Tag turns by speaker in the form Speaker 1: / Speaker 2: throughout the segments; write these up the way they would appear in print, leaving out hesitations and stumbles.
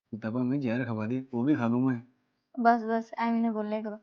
Speaker 1: दबा में जहर खवा दी, वो भी खा लूं मैं।
Speaker 2: बस बस ਐਵੇਂ ਨਾ ਬੋਲਿਆ ਕਰੋ।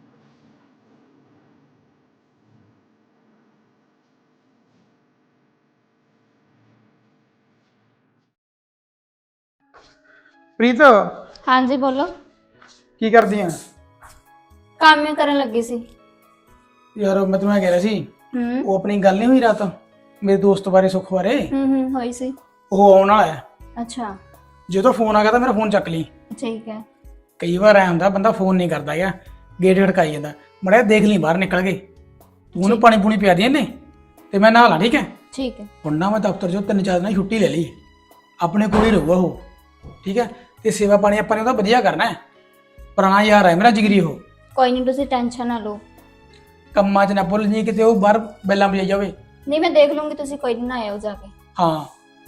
Speaker 3: ਪ੍ਰੀਤ
Speaker 2: ਹਾਂਜੀ ਬੋਲੋ।
Speaker 3: ਕੀ ਕਰਦੀ ਆ?
Speaker 2: ਕੰਮ ਹੀ ਕਰਨ ਲੱਗੀ ਸੀ।
Speaker 3: ਯਾਰ ਮੈਂ ਤੁਹਾਨੂੰ ਕਹਿ ਰਿਹਾ ਸੀ,
Speaker 2: ਹੂੰ
Speaker 3: ਉਹ ਆਪਣੀ ਗੱਲ ਨਹੀਂ ਹੋਈ ਰਾਤ ਮੇਰੇ ਦੋਸਤ ਬਾਰੇ, ਸੁੱਖ ਬਾਰੇ।
Speaker 2: ਹੋਈ ਸੀ।
Speaker 3: ਉਹ ਆਉਣ ਵਾਲਾ ਹੈ।
Speaker 2: ਅੱਛਾ
Speaker 3: ਜਦੋਂ ਫੋਨ ਆ ਗਿਆ ਤਾਂ ਮੇਰਾ ਫੋਨ ਚੱਕ ਲਈ।
Speaker 2: ਠੀਕ ਹੈ।
Speaker 3: ਕਈ ਵਾਰ ਐ ਹੁੰਦਾ ਬੰਦਾ ਫੋਨ ਨਹੀਂ ਕਰਦਾ ਹੈਗਾ, ਗੇਟ ਖੜਕਾਈ ਜਾਂਦਾ। ਮੜਿਆ ਦੇਖ ਲਈ ਬਾਹਰ ਨਿਕਲ ਕੇ, ਤੂੰ ਉਹਨੂੰ ਪਾਣੀ ਪੂਣੀ ਪਿਆ ਦੇ ਨੇ ਤੇ ਮੈਂ ਨਹਾ ਲਾਂ। ਠੀਕ ਹੈ।
Speaker 2: ਠੀਕ ਹੈ।
Speaker 3: ਹੁਣ ਨਾ ਮੈਂ ਦਫ਼ਤਰ 'ਚੋਂ 3-4 ਦਿਨਾਂ ਦੀ ਛੁੱਟੀ ਲੈ ਲਈ, ਆਪਣੇ ਕੋਲ ਹੀ ਰਹੂਗਾ ਉਹ। ਠੀਕ ਹੈ। ਤੇ ਸੇਵਾ ਪਾਣੀ ਆਪਾਂ ਨੇ ਉਹਦਾ ਵਧੀਆ ਕਰਨਾ ਹੈ। ਪੁਰਾਣਾ ਯਾਰ ਹੈ ਮੇਰਾ ਜਿਗਰੀ ਉਹ।
Speaker 2: ਕੋਈ ਨਹੀਂ ਤੁਸੀਂ ਟੈਨਸ਼ਨ ਨਾ ਲਓ।
Speaker 3: ਕੰਮਾਂ 'ਚ ਨਾ ਭੁੱਲ ਜੀ ਕਿਤੇ ਉਹ ਬਾਹਰ ਬੈਲਾਂ ਵਜਾਈ ਜਾਵੇ।
Speaker 2: ਨਹੀਂ ਮੈਂ ਦੇਖ ਲੂੰਗੀ, ਤੁਸੀਂ ਕੋਈ ਨਹੀਂ ਆਇਓ ਜਾ ਕੇ।
Speaker 3: ਹਾਂ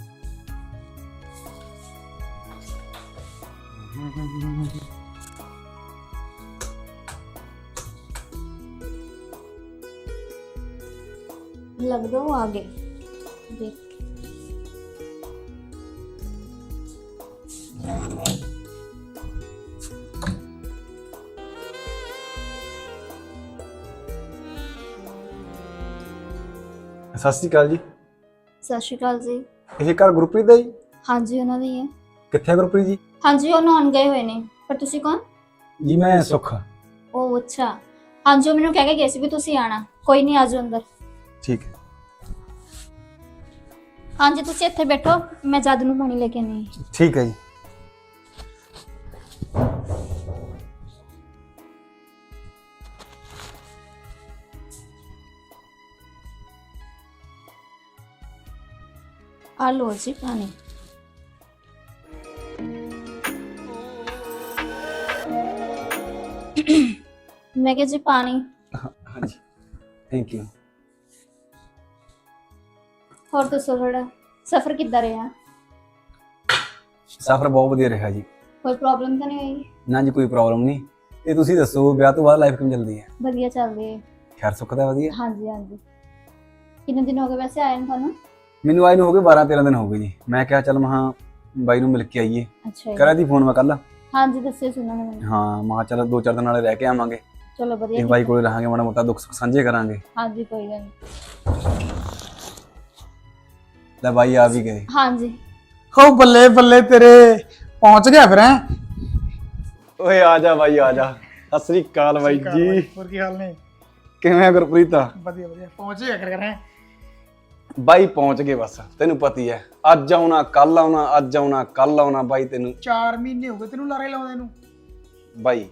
Speaker 2: ਲੱਗਦਾ ਉਹ ਆ ਗਏ। ਦੇਖ
Speaker 1: ਸਤਿ ਸ਼੍ਰੀ ਅਕਾਲ ਜੀ।
Speaker 2: ਸਤਿ ਸ਼੍ਰੀ ਅਕਾਲ ਜੀ।
Speaker 1: ਇਹ ਘਰ ਗੁਰਪ੍ਰੀਤ ਦਾ ਜੀ?
Speaker 2: ਹਾਂਜੀ ਉਹਨਾਂ ਦੀ ਹੈ।
Speaker 1: ਕਿੱਥੇ ਹੈ ਗੁਰਪ੍ਰੀਤ ਜੀ?
Speaker 2: ਹਾਂਜੀ ਉਹ ਨਹਾਉਣ ਗਏ ਹੋਏ ਨੇ। ਪਰ ਤੁਸੀਂ ਕੌਣ?
Speaker 1: ਜੀ ਮੈਂ ਸੁੱਖ।
Speaker 2: ਉਹ ਅੱਛਾ। ਹਾਂਜੀ ਉਹ ਮੈਨੂੰ ਕਹਿ ਕੇ ਗਏ ਸੀ ਵੀ ਤੁਸੀਂ ਆਣਾ। ਕੋਈ ਨਹੀਂ ਆਜੋ ਅੰਦਰ।
Speaker 1: ਠੀਕ ਹੈ।
Speaker 2: ਹਾਂਜੀ ਤੁਸੀਂ ਇੱਥੇ ਬੈਠੋ, ਮੈਂ ਜਦ ਨੂੰ ਪਾਣੀ ਲੈ ਕੇ ਆਨੀ ਹਾਂ।
Speaker 1: ਠੀਕ ਹੈ ਜੀ।
Speaker 2: ਆ ਲੋ ਜੀ ਪਾਣੀ। ਮੈਂ ਕਿਹਾ ਜੀ ਪਾਣੀ।
Speaker 1: ਹਾਂਜੀ ਥੈਂਕ ਯੂ।
Speaker 2: ਹੋਰ ਦੱਸੋ ਥੋੜਾ ਸਫ਼ਰ ਕਿੱਦਾਂ ਰਿਹਾ?
Speaker 1: ਸਫ਼ਰ ਬਹੁਤ ਵਧੀਆ ਰਿਹਾ ਜੀ।
Speaker 2: ਕੋਈ ਪ੍ਰੋਬਲਮ ਤਾਂ ਨਹੀਂ ਹੋਈ?
Speaker 1: ਨਾ ਜੀ ਕੋਈ ਪ੍ਰੋਬਲਮ ਨਹੀਂ। ਤੇ ਤੁਸੀਂ ਦੱਸੋ ਵਿਆਹ ਤੋਂ ਬਾਅਦ ਲਾਈਫ ਕਿਵੇਂ ਚੱਲਦੀ ਹੈ?
Speaker 2: ਵਧੀਆ ਚੱਲ ਰਹੀ ਹੈ।
Speaker 1: ਖੈਰ ਸੁੱਖ ਦਾ ਵਧੀਆ?
Speaker 2: ਹਾਂਜੀ ਹਾਂਜੀ। ਕਿੰਨੇ ਦਿਨ ਹੋ ਗਏ ਵੈਸੇ ਆਏ ਨੂੰ ਤੁਹਾਨੂੰ?
Speaker 1: ਮੈਨੂੰ ਆਏ ਨੂੰ ਹੋ ਗਏ 12-13 ਦਿਨ ਹੋ ਗਏ ਜੀ। ਮੈਂ ਕਿਹਾ ਚੱਲ ਮਹਾਂ ਬਾਈ ਨੂੰ ਮਿਲ ਕੇ ਆਈਏ।
Speaker 2: ਅੱਛਾ ਜੀ।
Speaker 1: ਕਰਿਆ ਦੀ ਫੋਨ ਮੈਂ ਕੱਲ।
Speaker 2: ਹਾਂਜੀ ਦੱਸਿਓ ਸੁਣਨਾ ਮੈਨੂੰ।
Speaker 1: ਹਾਂ ਮਹਾਂ ਚੱਲ 2-4 ਦਿਨ ਨਾਲੇ ਰਹਿ ਕੇ ਆਵਾਂਗੇ
Speaker 2: ਚਲੋ
Speaker 1: ਤੇ
Speaker 2: ਵਧੀਆ।
Speaker 1: ਬਾਈ ਕੋਲੇ ਰਹਾਂਗੇ, ਮਾੜਾ ਮੋਟਾ ਦੁੱਖ ਸੁੱਖ ਸਾਂਝੇ ਕਰਾਂਗੇ।
Speaker 2: ਹਾਂਜੀ ਕੋਈ ਗੱਲ ਨਹੀਂ।
Speaker 1: ਲੈ ਬਾਈ ਆ ਵੀ ਗਏ।
Speaker 2: ਹਾਂਜੀ।
Speaker 3: ਹੋ ਬੱਲੇ ਬੱਲੇ ਤੇਰੇ, ਪਹੁੰਚ ਗਿਆ ਫਿਰ। ਹੈ
Speaker 1: ਓਏ ਆ ਜਾ ਬਾਈ ਆ ਜਾ। ਸਤਿ ਸ੍ਰੀ ਅਕਾਲ ਬਾਈ ਜੀ।
Speaker 3: ਹੋਰ ਕੀ ਹਾਲ ਨੇ?
Speaker 1: ਕਿਵੇਂ ਆ ਗੁਰਪ੍ਰੀਤ?
Speaker 3: ਵਧੀਆ ਵਧੀਆ। ਪਹੁੰਚ ਗਿਆ ਕਰ ਹੈ।
Speaker 1: ਬਾਈ ਪਹੁੰਚ ਗਏ ਬਸ, ਤੈਨੂੰ ਪਤੀ ਐ। ਅੱਜ ਆਉਣਾ ਕੱਲ ਆਉਣਾ, ਅੱਜ ਆਉਣਾ ਕੱਲ ਆਉਣਾ ਬਾਈ। ਤੈਨੂੰ
Speaker 3: 4 ਮਹੀਨੇ ਹੋ ਗਏ ਤੈਨੂੰ ਲਾਰੇ ਲਾਉਂਦੇ ਨੂੰ।
Speaker 1: ਬਾਈ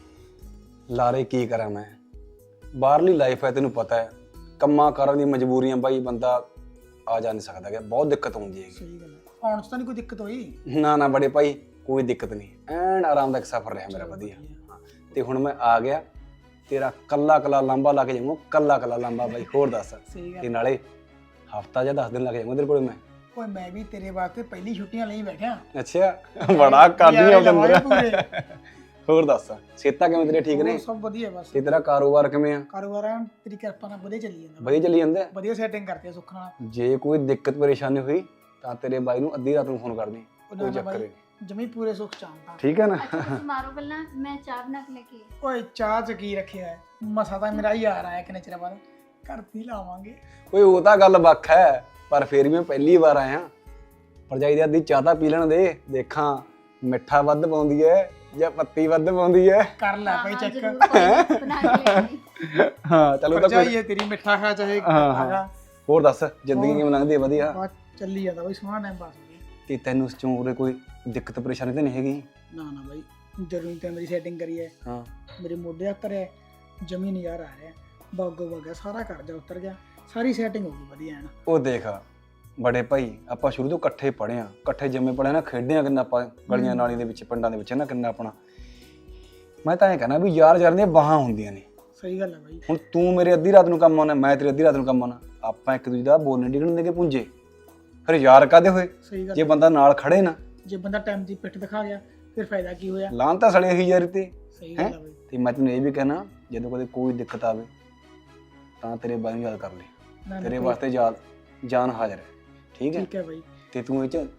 Speaker 1: ਲਾਰੇ ਕੀ ਕਰਾਂ ਮੈਂ? ਬਾਹਰਲੀ ਲਾਈਫ ਹੈ, ਤੈਨੂੰ ਪਤਾ ਹੈ। ਕੰਮਾਂ ਕਾਰਾਂ ਦੀ ਮਜਬੂਰੀਆਂ ਬਾਈ, ਬੰਦਾ ਆ ਜਾ ਨਹੀਂ ਸਕਦਾ ਕਿ ਬਹੁਤ ਦਿੱਕਤ ਹੁੰਦੀ ਹੈ।
Speaker 3: ਸਹੀ ਗੱਲ ਹੈ। ਆਉਣ 'ਚ ਤਾਂ ਨਹੀਂ ਕੋਈ ਦਿੱਕਤ ਹੋਈ?
Speaker 1: ਨਾ ਨਾ ਬੜੇ ਭਾਈ ਕੋਈ ਦਿੱਕਤ ਨਹੀਂ, ਐਨ ਆਰਾਮਦਾਇਕ ਸਫ਼ਰ ਰਿਹਾ ਮੇਰਾ ਵਧੀਆ। ਹਾਂ, ਤੇ ਹੁਣ ਮੈਂ ਆ ਗਿਆ, ਤੇਰਾ ਕੱਲਾ ਕੱਲਾ ਲਾਂਬਾ ਲਾ ਕੇ ਜਾਊਂਗਾ, ਕੱਲਾ ਕੱਲਾ ਲਾਂਬਾ ਬਾਈ। ਹੋਰ ਦੱਸ।
Speaker 3: ਸਹੀ
Speaker 1: ਤੇ
Speaker 3: ਗੱਲ।
Speaker 1: ਨਾਲੇ ਹਫਤਾ ਜਾਂ 10 ਦਿਨ ਲੱਗ ਜਾਊਂਗਾ ਤੇਰੇ ਕੋਲ ਮੈਂ।
Speaker 3: ਓਏ ਮੈਂ ਵੀ ਤੇਰੇ ਵਾਸਤੇ ਪਹਿਲੀ ਛੁੱਟੀਆਂ ਲਈ ਬੈਠਾ।
Speaker 1: ਅੱਛਾ ਬੜਾ ਕਰਦੀ ਆ
Speaker 3: ਲਵਾਂਗੇ
Speaker 1: ਬੰਦਰ।
Speaker 3: ਪੂਰੇ।
Speaker 1: ਹੋਰ ਦੱਸ ਸਿਹਤਾਂ ਕਿਵੇਂ ਤੇਰੇ? ਠੀਕ ਨੇ?
Speaker 3: ਹੋਰ ਸਭ ਵਧੀਆ ਬਸ।
Speaker 1: ਤੇ ਤੇਰਾ ਕਾਰੋਬਾਰ ਕਿਵੇਂ ਆ?
Speaker 3: ਕਾਰੋਬਾਰ ਐਨ ਤੇਰੀ ਕਿਰਪਾ ਨਾਲ ਵਧੀਆ ਚੱਲੀ ਜਾਂਦਾ।
Speaker 1: ਵਧੀਆ ਚੱਲੀ ਜਾਂਦਾ?
Speaker 3: ਵਧੀਆ ਸੈਟਿੰਗ ਕਰਤੀ ਆ ਸੁੱਖ ਨਾਲ।
Speaker 1: ਜੇ ਕੋਈ ਦਿੱਕਤ ਪਰੇਸ਼ਾਨੀ ਹੋਈ ਤਾਂ ਤੇਰੇ ਬਾਈ ਨੂੰ ਅੱਧੀ ਰਾਤ ਨੂੰ ਫੋਨ ਕਰਦੀ, ਕੋਈ ਚੱਕਰ ਨਹੀਂ।
Speaker 3: ਜਮੀ ਪੂਰੇ ਸੁੱਖ ਚਾਹੁੰਦਾ।
Speaker 1: ਠੀਕ ਹੈ ਨਾ?
Speaker 2: ਤੁਸੀਂ ਮਾਰੋ ਪਹਿਲਾਂ, ਮੈਂ ਚਾਹ ਬਣਾ ਕੇ ਲੈ ਕੇ ਆਈ।
Speaker 3: ਓਏ ਚਾਹ ਚ ਕੀ ਰੱਖਿਆ ਹੈ? ਮਸਾ ਤਾਂ ਮੇਰਾ ਯਾਰ ਆਇਆ ਕਿੰਨੇ ਚਿਰ ਬਾਅਦ, ਘਰ ਵੀ ਲਾਵਾਂਗੇ।
Speaker 1: ਓਏ ਉਹ ਤਾਂ ਗੱਲ ਵੱਖ ਹੈ, ਪਰ ਫੇਰ ਵੀ ਮੈਂ ਪਹਿਲੀ ਵਾਰ ਆਇਆ। ਭਰਜਾਈ ਦੀ ਅੱਧੀ ਚਾਹ ਤਾਂ ਪੀ ਲੈਣ ਦੇ, ਦੇਖਾਂ ਮਿੱਠਾ ਵੱਧ ਪਾਉਂਦੀ ਹੈ ਜਾਂ ਪੱਤੀ ਵੱਧ ਪਾਉਂਦੀ ਹੈ।
Speaker 3: ਕਰ ਲੈ ਭਾਈ ਚੈੱਕ।
Speaker 2: ਬਣਾ ਕੇ ਲੈ ਆਈ।
Speaker 1: ਹਾਂ ਚਲੋ ਤਾਂ
Speaker 3: ਚਾਹੀਏ ਤੇਰੀ ਮਿੱਠਾ ਖਾ ਚਾਹੇ
Speaker 1: ਹਾਂ,
Speaker 3: ਖਾ।
Speaker 1: ਹਾਂ। ਹੋਰ ਦੱਸ ਜ਼ਿੰਦਗੀ ਕਿਵੇਂ ਲੰਘਦੀ ਹੈ? ਵਧੀਆ।
Speaker 3: ਬਸ ਚੱਲੀ ਜਾਂਦਾ ਬਾਈ, ਸੋਹਣਾ ਟਾਈਮ ਪਾਸ ਹੋ ਗਿਆ।
Speaker 1: ਤੇ ਤੈਨੂੰ ਉਸ ਚੋਂ ਉਰੇ ਕੋਈ ਦਿੱਕਤ ਪਰੇਸ਼ਾਨੀ ਤਾਂ ਨਹੀਂ ਹੈਗੀ?
Speaker 3: ਨਾ ਨਾ ਬਾਈ, ਜਦੋਂ ਤਾਂ ਮੇਰੀ ਸੈਟਿੰਗ ਕਰੀ ਹੈ,
Speaker 1: ਹਾਂ
Speaker 3: ਮੇਰੇ ਮੋਢੇ ਉੱਤਰ ਹੈ, ਜਮੀ ਨਜ਼ਾਰਾ ਆ ਰਿਹਾ। ਬਾਗੋ ਬਾਗਾ ਸਾਰਾ ਕਰਜ਼ਾ ਉਤਰ ਗਿਆ, ਸਾਰੀ ਸੈਟਿੰਗ ਹੋ ਗਈ ਵਧੀਆ ਨਾ।
Speaker 1: ਉਹ ਦੇਖ ਬੜੇ ਭਾਈ, ਆਪਾਂ ਸ਼ੁਰੂ ਤੋਂ ਇਕੱਠੇ ਪੜ੍ਹੇ ਆ, ਇਕੱਠੇ ਜੰਮੇ ਪੜ੍ਹੇ ਨਾ, ਖੇਡੇ ਆ ਕਿੰਨਾ ਆਪਾਂ ਗਲੀਆਂ ਨਾਲੀਆਂ ਦੇ ਵਿੱਚ, ਪਿੰਡਾਂ ਦੇ ਵਿੱਚ ਨਾ, ਕਿੰਨਾ ਆਪਣਾ। ਮੈਂ ਤਾਂ ਇਹ ਕਹਿਣਾ ਵੀ ਯਾਰ ਯਾਰ ਦੀਆਂ ਬਾਹਾਂ ਹੁੰਦੀਆਂ ਨੇ।
Speaker 3: ਸਹੀ ਗੱਲ ਹੈ ਬਾਈ।
Speaker 1: ਹੁਣ ਤੂੰ ਮੇਰੇ ਅੱਧੀ ਰਾਤ ਨੂੰ ਕੰਮ ਆਉਣਾ, ਮੈਂ ਤੇਰੀ ਅੱਧੀ ਰਾਤ ਨੂੰ ਕੰਮ ਆਉਣਾ, ਆਪਾਂ ਇੱਕ ਦੂਜੇ ਦਾ ਬੋਲਣ ਡਿੱਗਣ ਦੇ ਕੇ ਪੁੰਜੇ, ਫਿਰ ਯਾਰ ਕਾਹਦੇ ਹੋਏ?
Speaker 3: ਸਹੀ ਗੱਲ।
Speaker 1: ਜੇ ਬੰਦਾ ਨਾਲ ਖੜੇ ਨਾ,
Speaker 3: ਜੇ ਬੰਦਾ ਟਾਈਮ ਦੀ ਪਿੱਠ ਦਿਖਾ ਗਿਆ ਫਿਰ ਫਾਇਦਾ ਕੀ ਹੋਇਆ?
Speaker 1: ਲਾਹਨ ਤਾਂ ਸੜੇ ਹੀ ਯਾਰ ਤੇ।
Speaker 3: ਸਹੀ ਗੱਲ ਹੈ ਬਾਈ।
Speaker 1: ਤੇ ਮੈਂ ਤੈਨੂੰ ਇਹ ਵੀ ਕਹਿਣਾ, ਜਦੋਂ ਕਦੇ ਕੋਈ ਦਿੱਕਤ ਆਵੇ ਤਾਂ ਤੇਰੇ ਬਾਈ ਨੂੰ ਯਾਦ ਕਰ ਲੈ,
Speaker 3: ਨਾ, ਨਾ,
Speaker 1: ਤੇਰੇ
Speaker 3: ਕੋਈ-
Speaker 1: ਵਾਸਤੇ ਜਾਨ ਹਾਜ਼ਰ ਹੈ। ਠੀਕ ਹੈ?
Speaker 3: ਠੀਕ ਹੈ ਬਾਈ।
Speaker 1: ਤੇ ਤੂੰ ਇਹ ਚ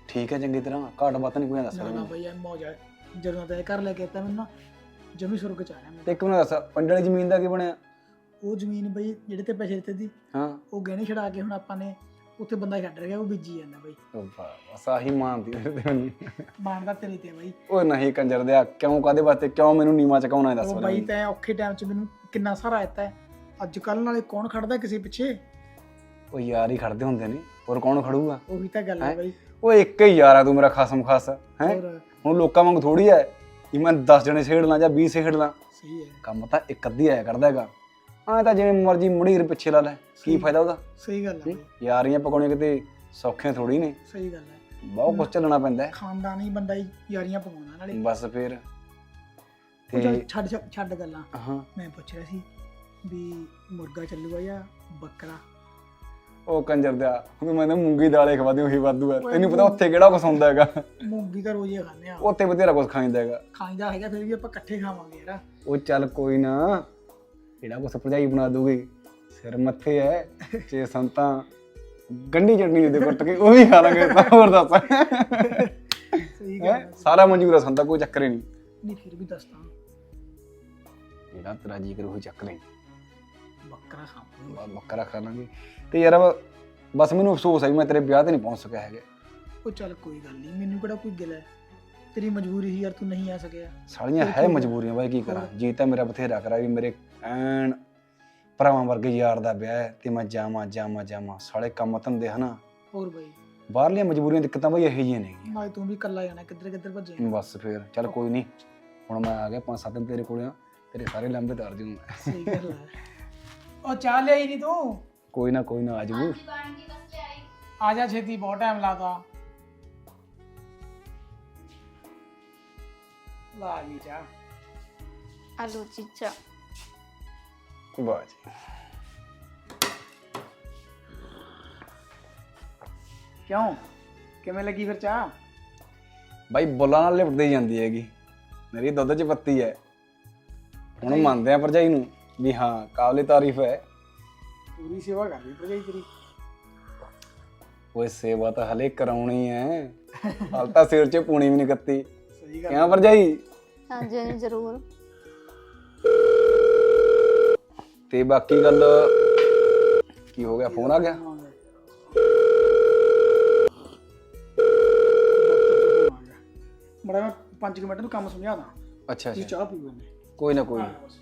Speaker 1: ਠੀਕ ਹੈ ਚੰਗੀ ਤਰ੍ਹਾਂ ਘਾਟ ਬਾਤ ਨਹੀਂ ਕੋਈ ਦੱਸ
Speaker 3: ਨਾ ਨਾ
Speaker 1: ਰਿਹਾ
Speaker 3: ਬਈ ਐ ਮੌਜ ਆ ਜਦੋਂ ਤਾਂ ਇਹ ਘਰ ਲੈ ਕੇ ਆਤਾ ਮੈਨੂੰ ਨਾ ਜਮੀ ਸੁਰਗ ਚ ਆਇਆ ਮੈਂ
Speaker 1: ਤੇ ਇੱਕ ਮੈਨੂੰ ਦੱਸ ਪਿੰਡ ਵਾਲੀ ਜ਼ਮੀਨ ਦਾ ਕੀ ਬਣਿਆ
Speaker 3: ਉਹ ਜ਼ਮੀਨ ਬਈ ਜਿਹੜੇ ਤੇ ਪੈਸੇ ਦਿੱਤੇ ਸੀ
Speaker 1: ਹਾਂ
Speaker 3: ਉਹ ਗਹਿਣੇ ਛਡਾ ਕੇ ਹੁਣ ਆਪਾਂ ਨੇ ਉੱਥੇ ਬੰਦਾ ਛੱਡ ਰਿਹਾ ਉਹ ਬੀਜੀ ਜਾਂਦਾ ਬਈ
Speaker 1: ਉਹ ਬਸ ਆਹੀ ਮਾਨਦੀ ਮੇਰੇ ਤੇ ਮੈਨੂੰ
Speaker 3: ਮਾਣਦਾ ਤੇਰੇ ਤੇ ਬਈ
Speaker 1: ਉਹ ਨਹੀਂ ਕੰਜਰ ਦਿਆ ਕਿਉਂ ਕਾਦੇ ਵਾਸਤੇ ਕਿਉਂ ਮੈਨੂੰ ਨੀਵਾ ਚਕਾਉਣਾ ਹੈ ਦੱਸ
Speaker 3: ਉਹ
Speaker 1: ਮੈਨੂੰ।
Speaker 3: ਬਈ ਤੈਂ ਔਖੇ ਟਾਈਮ 'ਚ ਮੈਨੂੰ ਕਿੰਨਾ ਸਹਾਰਾ ਦਿੱਤਾ ਹੈ ਅੱਜ ਕੱਲ ਨਾਲੇ ਕੌਣ ਖੜਦਾ ਕਿਸੇ ਪਿੱਛੇ
Speaker 1: ਉਹ ਯਾਰ ਹੀ ਖੜਦੇ ਹੁੰਦੇ ਨੇ ਹੋਰ ਕੌਣ ਖੜੂਗਾ
Speaker 3: ਉਹੀ ਤਾਂ ਗੱਲ ਹੈ ਬਈ
Speaker 1: ਉਹ ਇੱਕ ਹੀ ਯਾਰ ਆ ਤੂੰ ਮੇਰਾ ਖਸਮ ਖਾਸ ਹੈ
Speaker 3: ਹੋਰ
Speaker 1: ਹੁਣ ਲੋਕਾਂ ਵਾਂਗ ਥੋੜੀ ਹੈ ਕਿ ਮੈਂ 10 ਜਣੇ ਛੇੜ ਲਾਂ ਜਾਂ 20 ਛੇੜ ਲਾਂ
Speaker 3: ਸਹੀ ਹੈ
Speaker 1: ਕੰਮ ਤਾਂ ਇੱਕ ਅੱਧੀ ਆਇਆ ਕਰਦਾ ਹੈਗਾ ਐਂ ਤਾਂ ਜਿਵੇਂ ਮਰਜੀ ਮੁੜੀਰ ਪਿੱਛੇ ਲਾ ਲੈ ਕੀ ਫਾਇਦਾ ਉਹਦਾ
Speaker 3: ਸਹੀ ਗੱਲ ਹੈ ਬਈ
Speaker 1: ਯਾਰੀਆਂ ਪਕਾਉਣੀਆਂ ਕਿਤੇ ਸੌਖੀਆਂ ਥੋੜੀ ਨੇ
Speaker 3: ਸਹੀ ਗੱਲ ਹੈ
Speaker 1: ਬਹੁਤ ਕੁਝ ਚੱਲਣਾ ਪੈਂਦਾ ਹੈ
Speaker 3: ਖਾਨਦਾਨੀ ਬੰਦਾ ਹੀ ਯਾਰੀਆਂ ਪਵਾਉਂਦਾ ਨਾਲੇ
Speaker 1: ਬਸ ਫਿਰ
Speaker 3: ਉਹ ਚੱਲ
Speaker 1: ਤੇ
Speaker 3: ਛੱਡ ਗੱਲਾਂ
Speaker 1: ਹਾਂ
Speaker 3: ਮੈਂ ਪੁੱਛ ਰਿਹਾ ਸੀ ਵੀ ਮੁਰਗਾ ਚੱਲੂਗਾ ਜਾਂ ਬੱਕਰਾ
Speaker 1: ਉਹ ਕੰਜਰ ਦਿਆ ਹੁਣ ਮੈਂ ਤਾਂ ਮੂੰਗੀ ਦਾਲੇ ਖਵਾਦੀ ਉਹੀ ਵਾਧੂ ਹੈ ਤੈਨੂੰ ਪਤਾ ਉੱਥੇ ਕਿਹੜਾ ਕੁਛ ਹੁੰਦਾ ਹੈਗਾ
Speaker 3: ਮੂੰਗੀ ਤਾਂ ਰੋਜ਼ ਹੀ ਖਾਂਦੇ ਆ
Speaker 1: ਉੱਥੇ ਬਥੇਰਾ ਕੁਛ ਖਾਂਦਾ ਹੈਗਾ
Speaker 3: ਖਾਂਦਾ ਹੈਗਾ ਫਿਰ ਵੀ ਆਪਾਂ ਇਕੱਠੇ ਖਾਵਾਂਗੇ ਯਾਰ
Speaker 1: ਉਹ ਚੱਲ ਕੋਈ ਨਾ ਜਿਹੜਾ ਕੁਛ ਭਰਜਾਈ ਬਣਾ ਦੂਗੀ ਸਿਰ ਮੱਥੇ ਹੈ ਜੇ ਸੰਤਾਂ ਗੰਢੀ ਚਟਨੀ ਦੇ ਕੁੱਟ ਕੇ ਉਹ ਵੀ ਖਾ ਲਾਂਗੇ ਤਾਂ ਹੋਰ ਦੱਸ
Speaker 3: ਸਹੀ ਗੱਲ ਹੈ
Speaker 1: ਸਾਰਾ ਮਨਜ਼ੂਰ ਆ ਸੰਤਾ ਕੋਈ ਚੱਕਰ ਹੀ ਨਹੀਂ
Speaker 3: ਨਹੀਂ ਫਿਰ ਵੀ ਦੱਸਦਾ
Speaker 1: ਜਿਹੜਾ ਤੇਰਾ ਜੀ ਕਰੂ ਉਹੀ ਚੱਕ ਲੈ
Speaker 3: ਬੱਕਰਾ ਖਾਵਾਂਗੇ
Speaker 1: ਬੱਕਰਾ ਖਾ ਲਾਂਗੇ ਤੇ ਯਾਰ ਬਸ ਮੈਨੂੰ ਅਫਸੋਸ ਹੈ ਵੀ ਮੈਂ ਤੇਰੇ ਵਿਆਹ ਤੇ ਨਹੀਂ ਪਹੁੰਚ ਸਕਿਆ ਹੈਗਾ
Speaker 3: ਉਹ ਚੱਲ ਕੋਈ ਗੱਲ ਨਹੀਂ ਮੈਨੂੰ ਕਿਹੜਾ ਕੋਈ ਗਿਲਾ ਹੈ ਤੇਰੀ ਮਜਬੂਰੀ ਸੀ ਯਾਰ ਤੂੰ ਨਹੀਂ ਆ ਸਕਿਆ
Speaker 1: ਸਾਲੀਆਂ ਹੈ ਮਜਬੂਰੀਆਂ ਬਾਈ ਕੀ ਕਰਾਂ ਜੀ ਤਾਂ ਮੇਰਾ ਬਥੇਰਾ ਕਰਾ ਵੀ ਮੇਰੇ ਐਨ ਭਰਾਵਾਂ ਵਰਗੇ ਯਾਰ ਦਾ ਵਿਆਹ ਹੈ ਤੇ ਮੈਂ ਜਾਵਾਂ ਸਾਲੇ ਕੰਮ ਧੰਦੇ ਹਨਾ
Speaker 3: ਹੋਰ ਬਾਈ
Speaker 1: ਬਾਹਰਲੀਆਂ ਮਜਬੂਰੀਆਂ ਦਿੱਕਤਾਂ ਬਾਈ ਇਹੋ ਜਿਹੀਆਂ ਨੇਗੀਆਂ
Speaker 3: ਨਾਲੇ ਤੂੰ ਵੀ ਇਕੱਲਾ ਜਾਣਾ ਕਿੱਧਰ ਭੱਜੇ
Speaker 1: ਬਸ ਫਿਰ ਚੱਲ ਕੋਈ ਨਹੀਂ ਹੁਣ ਮੈਂ ਆ ਗਿਆ 5-7 ਦਿਨ ਤੇਰੇ ਕੋਲ ਆ ਤੇਰੇ ਸਾਰੇ ਲੰਬੇ ਤਾਰ ਜੂ ਮੈਂ
Speaker 3: ਸਹੀ ਗੱਲ ਹੈ ਉਹ ਚਾਹ ਲਿਆਈ ਨਹੀਂ ਤੂੰ
Speaker 1: ਕੋਈ ਨਾ ਆ ਜਾਊ
Speaker 3: ਆ ਜਾ ਛੇਤੀ ਬਹੁਤ ਟਾਈਮ ਲਾਦਾ ਲਾ ਗਈ ਚਾਹ
Speaker 2: ਆਲੂ ਚੀਚਾ
Speaker 1: ਵਾਹ ਜੀ
Speaker 3: ਕਿਉਂ ਕਿਵੇਂ ਲੱਗੀ ਫਿਰ ਚਾਹ
Speaker 1: ਬਾਈ ਬੁੱਲਾਂ ਨਾਲ ਲਿਪਟਦੀ ਜਾਂਦੀ ਹੈਗੀ ਮੇਰੀ ਦੁੱਧ 'ਚ ਪੱਤੀ ਹੈ ਹੁਣ ਮੰਨਦੇ ਆ ਭਰਜਾਈ ਨੂੰ ਵੀ ਹਾਂ ਕਾਬਲੇ ਤਾਰੀਫ ਹੈ
Speaker 3: ਪੂਰੀ ਸੇਵਾ ਕਰ ਲਈ ਭਰਜਾਈ ਤੇਰੀ
Speaker 1: ਓਏ ਸੇਵਾ ਤਾਂ ਹਲੇ ਕਰਾਉਣੀ ਹੈ ਹਾਲ ਤਾਂ ਸਿਰ 'ਚ ਪੂਣੀ ਵੀ ਨਹੀਂ ਕੱਤੀ
Speaker 3: ਸਹੀ ਗੱਲ
Speaker 1: ਕਿਉਂ ਭਰਜਾਈ
Speaker 2: ਹਾਂਜੀ ਹਾਂਜੀ ਜ਼ਰੂਰ
Speaker 1: ਤੇ ਬਾਕੀ ਗੱਲ ਕੀ ਹੋ ਗਿਆ ਫੋਨ ਆ ਗਿਆ
Speaker 3: ਬੜਾ ਮੈਂ 5 ਮਿੰਟ ਨੂੰ ਕੰਮ ਸਮਝਾ ਦਾਂ
Speaker 1: ਅੱਛਾ
Speaker 3: ਤੁਸੀਂ
Speaker 1: ਅੱਛਾ
Speaker 3: ਚਾਹ ਪੀਓ ਨੇ
Speaker 1: ਕੋਈ ਨਾ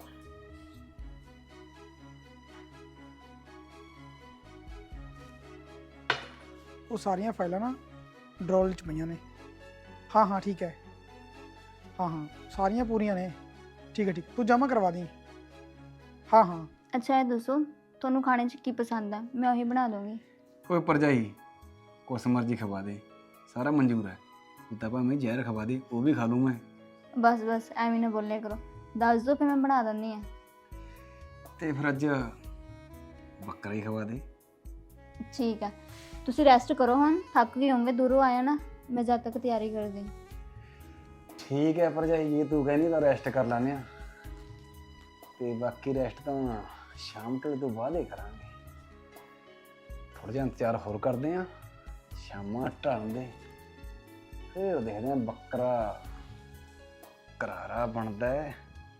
Speaker 3: ਉਹ ਸਾਰੀਆਂ ਫਾਈਲਾਂ ਨਾ ਡਰੋਲ 'ਚ ਪਈਆਂ ਨੇ ਹਾਂ ਠੀਕ ਹੈ ਹਾਂ ਸਾਰੀਆਂ ਪੂਰੀਆਂ ਨੇ ਠੀਕ ਹੈ ਤੂੰ ਜਮ੍ਹਾਂ ਕਰਵਾ ਦੀ ਹਾਂ
Speaker 2: ਅੱਛਾ ਇਹ ਦੱਸੋ ਤੁਹਾਨੂੰ ਖਾਣੇ 'ਚ ਕੀ ਪਸੰਦ ਆ ਮੈਂ ਉਹੀ ਬਣਾ ਦੂੰਗੀ
Speaker 1: ਓਏ ਭਰਜਾਈ ਕੁਛ ਮਰਜੀ ਖਵਾ ਦੇ ਸਾਰਾ ਮਨਜ਼ੂਰ ਹੈ ਤੂੰ ਤਾਂ ਭਾਵੇਂ ਜ਼ਹਿਰ ਖਵਾ ਦੇ ਉਹ ਵੀ ਖਾ ਲੂੰ ਮੈਂ
Speaker 2: ਬਸ ਐਵੇਂ ਨਾ ਬੋਲਿਆ ਕਰੋ ਦੱਸ ਦਿਓ ਫਿਰ ਮੈਂ ਬਣਾ ਦਿੰਦੀ ਆ
Speaker 1: ਤੇ ਫਿਰ ਅੱਜ ਬੱਕਰਾ ਹੀ ਖਵਾ ਦੇ
Speaker 2: ਠੀਕ ਆ ਤੁਸੀਂ ਰੈਸਟ ਕਰੋ ਹੁਣ ਥੱਕ ਗਏ ਹੋਵੋਗੇ ਦੂਰੋਂ ਆਇਆ ਨਾ ਮੈਂ ਜਦ ਤੱਕ ਤਿਆਰੀ ਕਰਦੀ
Speaker 1: ਠੀਕ ਹੈ ਭਰਜਾਈ ਜੇ ਤੂੰ ਕਹਿੰਦੀ ਤਾਂ ਰੈਸਟ ਕਰ ਲੈਂਦੇ ਆ ਤੇ ਬਾਕੀ ਰੈਸਟ ਤਾਂ ਸ਼ਾਮ ਤੋਂ ਬਾਅਦ ਹੀ ਕਰਾਂਗੇ ਥੋੜਾ ਜਿਹਾ ਇੰਤਜ਼ਾਰ ਹੋਰ ਕਰਦੇ ਆ ਸ਼ਾਮਾਂ ਢਲਣ ਦੇ ਫਿਰ ਦੇਖਦੇ ਆ ਬੱਕਰਾ ਕਰਾਰਾ ਬਣਦਾ ਹੈ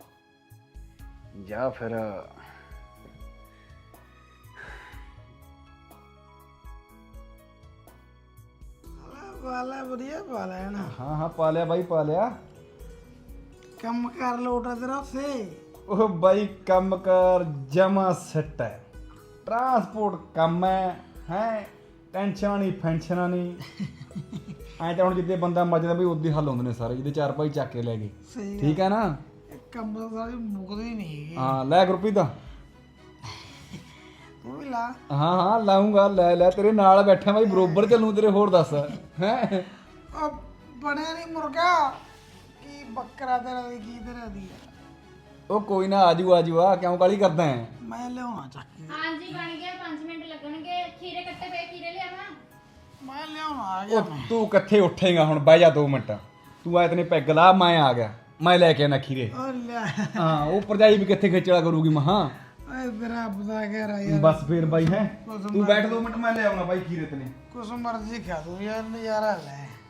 Speaker 1: ਜਾਂ ਫਿਰ
Speaker 3: ਵਾਲਾ ਵਧੀਆ ਵਾਲਾ ਹੈ ਨਾ
Speaker 1: ਹਾਂ ਪਾ ਲਿਆ ਬਾਈ ਪਾ ਲਿਆ
Speaker 3: ਕੰਮ ਕਰ ਲੋਟਾ ਤੇਰਾ ਉੱਥੇ
Speaker 1: ਉਹ ਬਾਈ ਕੰਮ ਕਰ ਜਮਾ ਸੱਟ ਹੈ ਟਰਾਂਸਪੋਰਟ ਕੰਮ ਹੈ ਟੈਨਸ਼ਨਾਂ ਨਹੀਂ ਫੈਂਸ਼ਨਾਂ ਨਹੀਂ ਐਂ ਤਾਂ ਹੁਣ ਜਿੱਦੇ ਬੰਦਾ ਮੱਜਦਾ ਵੀ ਉਦੋਂ ਹੱਲ ਹੁੰਦੇ ਨੇ ਸਾਰੇ ਜਿਹਦੇ ਚਾਰ ਭਾਈ ਚੱਕ ਕੇ ਲੈ ਗਏ
Speaker 3: ਸਹੀ
Speaker 1: ਠੀਕ ਹੈ ਨਾ
Speaker 3: ਕੰਮ ਤਾਂ ਸਾਰੇ ਮੁੱਕਦੇ ਹੀ ਨਹੀਂ ਹੈਗੇ
Speaker 1: ਹਾਂ ਲੈ ਗੁਰਪ੍ਰੀਤ ਦਾ
Speaker 3: ਤੂੰ ਵੀ ਲਾ
Speaker 1: ਹਾਂ ਲਾਉਂਗਾ ਲੈ ਤੇਰੇ ਨਾਲ ਬੈਠਾ ਬਾਈ ਬਰੋਬਰ ਚੱਲੂ ਤੇਰੇ ਹੋਰ ਦੱਸ ਹੈ
Speaker 3: ਉਹ ਬਣਿਆ ਨਹੀਂ ਮੁਰਗਾ ਕੀ ਬੱਕਰਾ ਤੇਰਾ ਦੀ ਕੀ ਤੇਰਾ ਦੀ
Speaker 1: ਉਹ ਕੋਈ ਨਾ ਆਜੂ ਆ ਕਿਉਂ ਕਾਲੀ ਕਰਦਾ ਹੈ
Speaker 3: ਮੈਂ ਲਿਆਉਣਾ ਚੱਕ ਕੇ
Speaker 2: ਹਾਂਜੀ ਬਣ ਗਿਆ 5 ਮਿੰਟ ਲੱਗਣਗੇ ਖੀਰੇ ਕੱਟੇ ਪਏ ਖੀਰੇ ਲਿਆਵਾਂ
Speaker 3: ਮੈਂ ਲਿਆਉਣਾ ਆ ਗਿਆ
Speaker 1: ਉਹ ਤੂੰ ਕਿੱਥੇ ਉੱਠੇਗਾ ਹੁਣ ਬਹਿ ਜਾ 2 ਮਿੰਟ ਤੂੰ ਐ ਤਨੇ ਪੈਗ ਲਾ ਮੈਂ ਆ ਗਿਆ ਮੈਂ ਲੈ ਕੇ ਆਣਾ ਖੀਰੇ
Speaker 3: ਉਹ ਲੈ
Speaker 1: ਹਾਂ ਉਹ ਭਰਜਾਈ ਵੀ ਕਿੱਥੇ ਖੇਚਲਾ ਕਰੂਗੀ ਮਹਾ
Speaker 3: ਓਏ ਤੇਰਾ ਪਤਾ ਕਹਿ ਰਿਹਾ ਯਾਰ
Speaker 1: ਬਸ ਫੇਰ ਬਾਈ ਹੈ ਤੂੰ ਬੈਠ 2 ਮਿੰਟ ਮੈਂ ਲੈ ਆਉਣਾ ਬਾਈ ਖੀਰੇ ਤਨੇ
Speaker 3: ਕੁਛ ਮਰਜ਼ੀ ਖਾ ਤੂੰ ਯਾਰ ਨਜ਼ਾਰਾ ਲੈ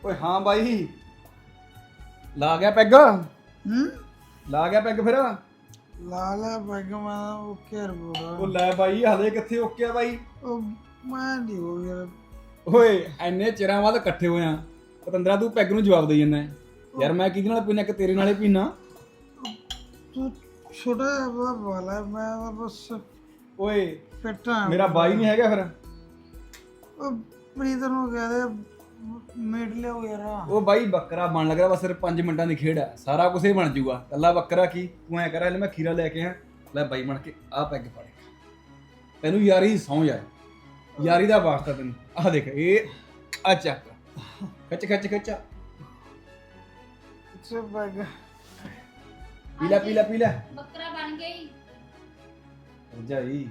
Speaker 1: ਓਏ ਹਾਂ ਬਾਈ ਲਾ ਗਿਆ ਪੈਗ ਲਾ ਗਿਆ ਪੈਗ ਫਿਰ
Speaker 3: ਲਾ ਲੈ ਪੈਗ ਮੈਂ ਓਕੇ ਰਿਪੋਰਟ
Speaker 1: ਉਹ ਲੈ ਬਾਈ ਹਲੇ ਕਿੱਥੇ ਓਕੇ ਆ ਬਾਈ
Speaker 3: ਉਹ ਮੈਂ ਨਹੀਂ ਹੋ ਯਾਰ
Speaker 1: ਓਏ ਐਨੇ ਚਿਰਾਂ ਬਾਅਦ ਇਕੱਠੇ ਹੋਏ ਆ ਪਤੰਦਰਾ ਤੂੰ ਪੈਗ ਨੂੰ ਜਵਾਬ ਦੇਈ ਜਾਂਦਾ ਯਾਰ ਮੈਂ ਕਿਹਦੇ ਨਾਲ ਪੀਣਾ ਕਿ ਤੇਰੇ ਨਾਲੇ ਪੀਣਾ
Speaker 3: ਤੂੰ ਛੋਟਾ ਜਿਹਾ ਵਾਲਾ ਮੈਂ ਤਾਂ ਬਸ
Speaker 1: ਓਏ
Speaker 3: ਫਿੱਟਾ
Speaker 1: ਮੇਰਾ ਬਾਈ ਨਹੀਂ ਹੈਗਾ ਫਿਰ
Speaker 3: ਉਹ ਪ੍ਰੀਤ ਨੂੰ ਕਹਦੇ ਮੀਟ ਲਿਓ ਯਾਰ
Speaker 1: ਉਹ ਬਾਈ ਬੱਕਰਾ ਬਣ ਲੱਗ ਰਿਹਾ ਬਸ ਸਿਰ 5 ਮਿੰਟਾਂ ਦੀ ਖੇਡ ਹੈ ਸਾਰਾ ਕੁਝ ਹੀ ਬਣ ਜਾਊਗਾ ਕੱਲਾ ਬੱਕਰਾ ਕੀ ਤੂੰ ਐ ਕਰ ਲੈ ਮੈਂ ਖੀਰਾ ਲੈ ਕੇ ਆ ਲੈ ਬਾਈ ਬਣ ਕੇ ਆ ਪੈਗ ਫੜ ਤੈਨੂੰ ਯਾਰੀ ਸੌਂ ਯਾਰ ਯਾਰੀ ਦਾ ਵਾਸਤਾ ਤੈਨੂੰ ਆਹ ਦੇਖ ਇਹ ਆ ਚੱਕ ਖਿੱਚ ਖਿੱਚ ਖਿੱਚ
Speaker 3: ਸੇ ਪੈਗ
Speaker 1: ਪੀ ਲੈ
Speaker 2: ਬੱਕਰਾ ਬਣ ਗਈ
Speaker 1: ਜਾਈ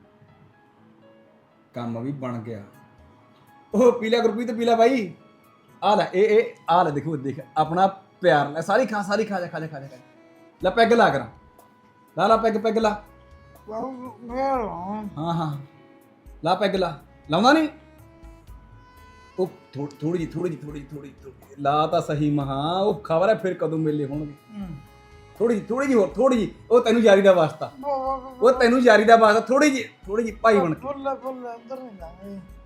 Speaker 1: ਕੰਮ ਵੀ ਬਣ ਗਿਆ ਉਹ ਪੀਲਾ ਗੁਰਪ੍ਰੀਤ ਪੀਲਾ ਬਾਈ ਆ ਲੈ ਇਹ ਆ ਲੈ ਦੇਖੋ ਦੇਖ ਆਪਣਾ ਪਿਆਰ ਲੈ ਸਾਰੀ ਖਾ ਜਾ ਲੈ ਪੈਗ ਲਾ ਕਰਾਂ ਲਾ ਪੈਗ ਲਾ ਹਾਂ ਲਾ ਪੈਗ ਲਾਉਂਦਾ ਨਹੀਂ ਉਹ ਥੋੜੀ ਜੀ ਲਾ ਤਾਂ ਸਹੀ ਮਹਾ ਉਹ ਖਬਰ ਹੈ ਫਿਰ ਕਦੋਂ ਮੇਲੇ ਹੋਣਗੇ ਥੋੜੀ ਜੀ ਉਹ ਤੈਨੂੰ ਯਾਰੀ ਦਾ ਵਾਸਤਾ ਥੋੜੀ ਜੀ ਭਾਈ ਬਣ ਕੇ
Speaker 3: ਫੁੱਲ ਅੰਦਰ ਨਹੀਂ ਲਾਂਗੇ